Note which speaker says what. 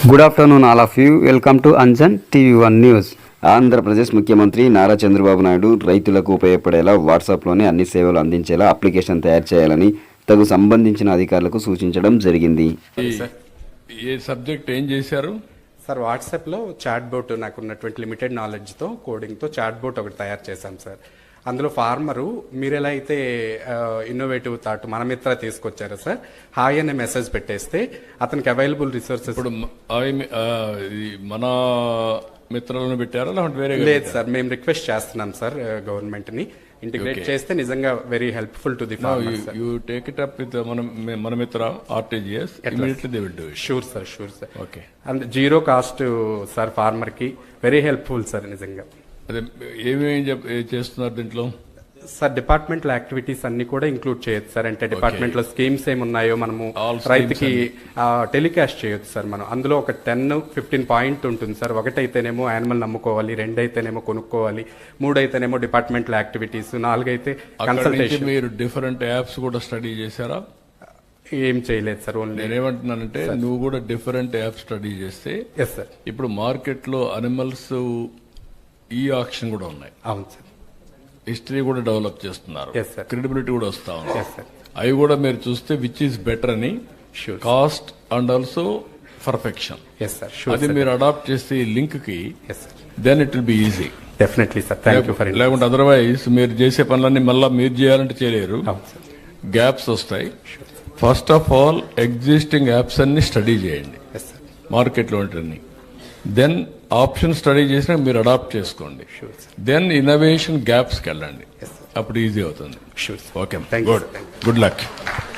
Speaker 1: Good afternoon all of you. Welcome to Anjan TV1 news.
Speaker 2: Andhra Pradesh ముఖ్యమంత్రి నారా చంద్రబాబు నాయుడు రైతులకు ఉపయోగపడేలా వాట్సాప్లోనే అన్ని సేవలు అందించేలా అప్లికేషన్ తయారు చేయాలని తగు సంబంధించిన అధికారులకు సూచించడం జరిగింది.
Speaker 3: ఏ సబ్జెక్ట్ ఏం చేశారు
Speaker 4: సార్? వాట్సాప్లో చాట్ బోట్ నాకున్నటువంటి లిమిటెడ్ నాలెడ్జ్తో కోడింగ్తో చాట్ బోట్ ఒకటి తయారు చేశాం సార్. అందులో ఫార్మరు మీరు ఎలా అయితే ఇన్నోవేటివ్ థాట్ మన మిత్ర తీసుకొచ్చారో సార్, హాయ్ అనే మెసేజ్ పెట్టేస్తే అతనికి అవైలబుల్ రిసోర్సెస్.
Speaker 3: ఇప్పుడు మన మిత్రులను పెట్టారా లేదంటే వేరే?
Speaker 4: లేదు సార్, మేము రిక్వెస్ట్ చేస్తున్నాం సార్ గవర్నమెంట్ని ఇంటిగ్రేట్ చేస్తే నిజంగా very helpful to the farmers.
Speaker 3: You take it up with మన Mitra RTGS immediately they will do it.
Speaker 4: Sure sir.
Speaker 3: Okay.
Speaker 4: And zero cost sir, farmer కి వెరీ హెల్ప్ఫుల్ సార్ నిజంగా.
Speaker 3: అదే ఏమేమి చేస్తున్నారు దీంట్లో
Speaker 4: సార్? డిపార్ట్మెంటల్ యాక్టివిటీస్ అన్ని కూడా ఇంక్లూడ్ చేయొచ్చు సార్. అంటే డిపార్ట్మెంట్ లో స్కీమ్స్ ఏమున్నాయో మనము రైతుకి టెలికాస్ట్ చేయొచ్చు సార్. మనం అందులో ఒక 10-15 పాయింట్ ఉంటుంది సార్. ఒకటైతేనేమో యానిమల్ నమ్ముకోవాలి, 2 అయితేనేమో కొనుక్కోవాలి, 3 అయితేనేమో డిపార్ట్మెంటల్ యాక్టివిటీస్, 4 అయితే కన్సల్టేషన్.
Speaker 3: మీరు డిఫరెంట్ యాప్స్ కూడా స్టడీ చేశారా?
Speaker 4: ఏం చేయలేదు సార్. ఓన్లీ
Speaker 3: నేనేమంటున్నానంటే నువ్వు కూడా డిఫరెంట్ యాప్ స్టడీ చేస్తే.
Speaker 4: Yes sir.
Speaker 3: ఇప్పుడు మార్కెట్ లో అనిమల్స్ ఈ ఆక్షన్ కూడా ఉన్నాయి.
Speaker 4: అవును సార్.
Speaker 3: హిస్టరీ కూడా డెవలప్ చేస్తున్నారు. క్రెడిబిలిటీ కూడా వస్తా ఉంది. అవి కూడా మీరు చూస్తే విచ్ ఈస్ బెటర్ అని, కాస్ట్ అండ్ ఆల్సో పర్ఫెక్షన్. అది మీరు అడాప్ట్ చేస్తే ఈ లింక్ కి, then it will be easy.
Speaker 4: Definitely sir. Thank you for it.
Speaker 3: లేకుంటే అదర్వైజ్ మీరు చేసే పనులన్నీ మళ్ళీ మీరు చేయాలంటే చేయలేరు, గ్యాప్స్ వస్తాయి. First of all existing apps అన్ని స్టడీ చేయండి మార్కెట్లో ఉంటుంది. దెన్ ఆప్షన్ స్టడీ చేసినా మీరు అడాప్ట్ చేసుకోండి. దెన్ ఇన్నోవేషన్ గ్యాప్స్కి వెళ్ళండి, అప్పుడు ఈజీ అవుతుంది. Okay, good luck.